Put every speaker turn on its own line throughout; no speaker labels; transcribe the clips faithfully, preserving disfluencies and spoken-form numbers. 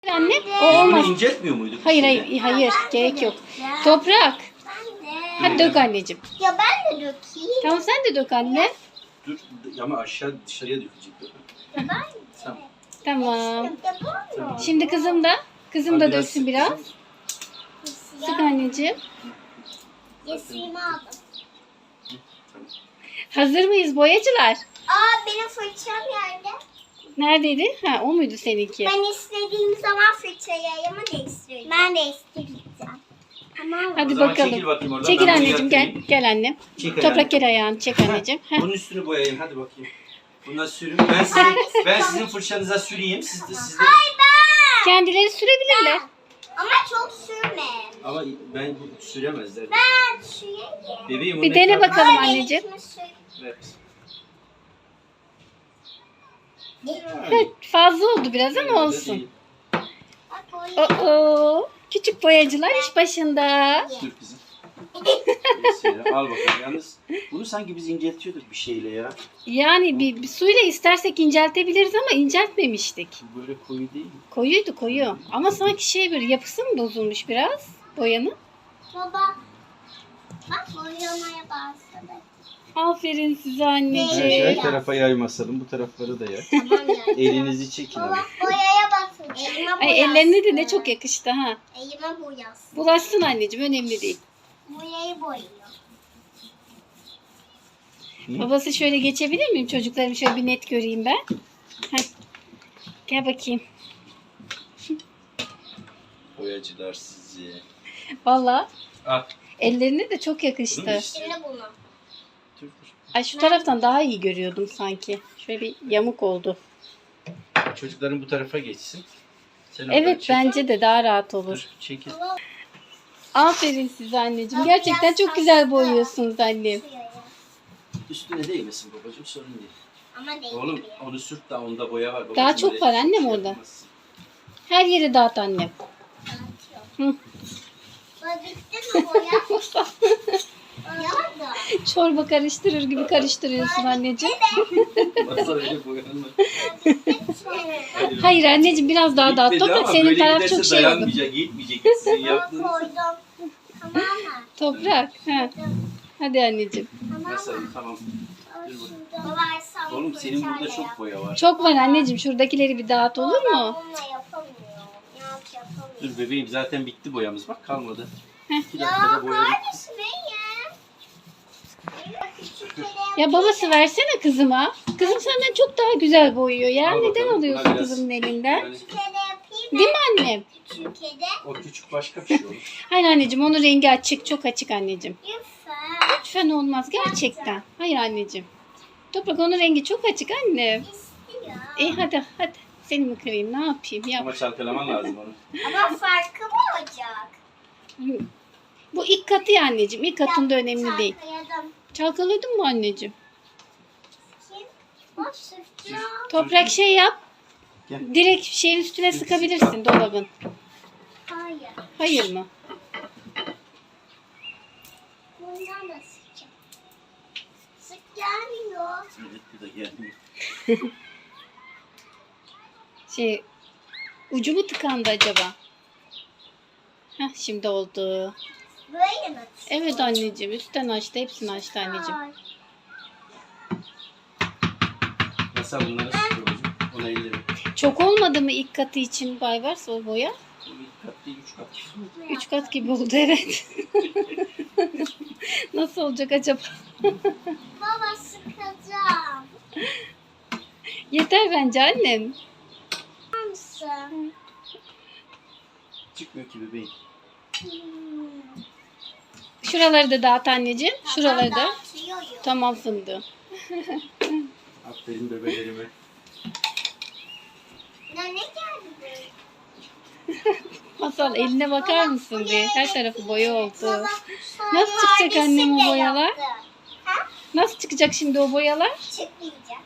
Anne, o
Biz bunu
olmaz.
inceltmiyor muyduk?
Hayır hayır hayır gerek yok. Toprak. Hadi dök anneciğim.
Ya ben de dökeyim.
Tamam sen de dök anne.
Dur ama aşağı dışarıya dökecek.
Ya ben
Tamam.
Tamam.
ya bu mu?
Şimdi kızım da. Kızım da döksün biraz.
sık.
Sık anneciğim.
Yesimi aldım.
Hazır mıyız boyacılar?
Aa benim fırçam nerede?
Neredeydi? Ha o muydu seninki?
Ben istediğim zaman fırçayımı değiştireceğim. Ben değiştireceğim. Tamam mı?
Hadi
O zaman
bakalım.
çekil bakayım oradan,
Çekil
ben bunu
anneciğim gel.
yatırayım.
Gel annem.
Çek ayağını.
Toprak gel ayağını çek anneciğim. Heh.
Bunun üstünü boyayayım hadi bakayım. Buna sürün. Ben sizin, ben sizin fırçanıza süreyim. Siz de siz de.
Hayır ben.
Kendileri sürebilirler.
Ama çok sürme.
Ama ben bu süremezler.
Ben süreyim.
Bebeğim
Bir
onu
dene
ekran-
bakalım
Ay,
anneciğim.
benimkini sür.
Evet.
Heh, fazla oldu biraz ama
Öyle
olsun.
değil.
Bak o
Oo, küçük boyacılar iş başında.
Dur kızım. Neyse ya, al bakalım. Yalnız bunu sanki biz inceltiyorduk bir şeyle ya.
Yani bir, bir suyla istersek inceltebiliriz ama inceltmemiştik.
Bu böyle koyu değil mi?
Koyuydu koyu. Ama sanki şey böyle yapısı mı bozulmuş biraz boyanın?
baba. Bak boyamaya başladı.
Aferin size
Her,
anneciğim.
her tarafa yaymasalım. Bu tarafları da yay.
Tamam ya.
Elinizi çekin ama.
Baba boyaya basın. Elime
Ay
boyasın.
ellerine de ne çok yakıştı ha.
Elime boyasın.
Bulaşsın anneciğim önemli değil.
Boyayı boyuyor.
Hı?
Babası şöyle geçebilir miyim? Çocuklarımı şöyle bir net göreyim ben. Heh. Gel bakayım.
Boyacılar sizi.
Valla
Al.
ellerine de çok yakıştı.
Bunu
Şimdi bunu.
Dur, dur.
Ay şu taraftan daha iyi görüyordum sanki. Şöyle bir yamuk oldu.
Çocukların bu tarafa geçsin. Sen oradan
Evet
çek.
bence de daha rahat olur.
Dur, çekil.
Aferin size anneciğim. Gerçekten çok güzel boyuyorsunuz annem.
Şuraya.
Üstüne değmesin babacığım, sorun değil.
Ama değil.
Oğlum onu sürt da onda boya var. Babacığım,
Daha çok
öyle
var annem
şey
orada.
yapamazsın.
Her yere dağıt annem. Hı.
Baba bitti mi boya? Ya da.
Çorba karıştırır gibi karıştırıyorsun anneciğim.
Masa öyle boyanma. Hadi.
Hayır anneciğim biraz daha dağıt.
Gitmedi
Toprak
ama
senin
böyle
taraf
giderse
çok şey oldu.
dayanmayacak, gitmeyecek sizin
Baba
yaptığınız.
koydum. Tamam mı?
Toprak. Ha. Hadi anneciğim.
Tamam
Nasıl?
mı?
Tamam.
Baba sen
Oğlum senin burada
fırçayla
çok
yap.
boya var.
Çok var anneciğim. Şuradakileri bir dağıt olur
Baba,
mu?
ben bununla yapamıyorum. Yap yapamıyorum.
Dur bebeğim, zaten bitti boyamız, bak kalmadı.
Heh.
İki
Ya
dakikada boya bitti.
kardeşim benim. Küçük kere
Ya babası versene kızıma. Kızım senden çok daha güzel boyuyor ya.
Al
Neden
bakalım,
alıyorsun
buna biraz-
kızımın elinden?
Yani
kere yapayım mı?
Değil mi annem?
Küçük kere.
o küçük başka bir şey olur.
Hayır anneciğim onun rengi açık. Çok açık anneciğim.
Lütfen.
Lütfen olmaz gerçekten. Hayır anneciğim. Toprak onun rengi çok açık annem.
İstiyor.
İyi hadi hadi. Seni mi kırayım ne yapayım yap.
Ama çalkalaman lazım onu.
Ama farkı mı olacak?
Bu ilk katı ya anneciğim. İlk katında önemli değil.
Çalkaladım.
Çalkaladın mı anneciğim?
Kim? Bak sürtüyor.
Toprak şey yap.
Gel.
Direkt şeyin üstüne sıkabilirsin dolabın.
Hayır.
Hayır mı?
Bundan da sıkacağım. Sık gelmiyor.
Evet, bu da geldi.
Şey ucu mu tıkandı acaba? Heh şimdi oldu.
Böyle mi?
Evet anneciğim üstten açtı. Hepsini açtı anneciğim.
Ay.
Nasıl bunları sıkıyor babacığım? Ona elleri.
Çok olmadı mı ilk katı için Baybars o boya?
Bu ilk kat değil, üç kat.
Üç kat gibi oldu evet. Nasıl olacak acaba?
Baba sıkacağım.
Yeter bence annem.
Tamam mısın?
Çıkmıyor ki bebeğim.
Hmm.
Şuraları da dağıt anneciğim. Şuraları da.
Dağıtıyorum.
Tamam fındığı.
Aferin bebelerime.
Ya ne geldi böyle?
Masal eline bakar mısın bir? Her tarafı boya oldu.
Baba, sonra
Nasıl çıkacak
kardeşim
annem o
de
boyalar?
yaptı. Ha?
Nasıl çıkacak şimdi o boyalar?
Çıkmayacak.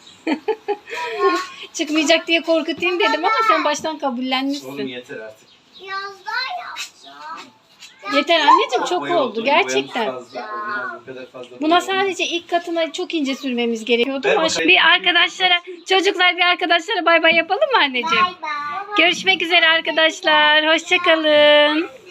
Çıkmayacak diye korkutayım dedim ama sen baştan
Oğlum
kabullenmişsin.
yeter artık.
Biraz daha yapacağım.
Yeter anneciğim, çok
Boya
oldu
oldu, boyamız
gerçekten.
fazla, olmaz, o kadar fazla
Buna
boya
sadece ilk katına çok ince sürmemiz gerekiyordu.
Ver
Ama
bakayım.
bir arkadaşlara, çocuklar bir arkadaşlara bay bay yapalım mı anneciğim?
Bay bay.
Görüşmek üzere arkadaşlar. Hoşça kalın.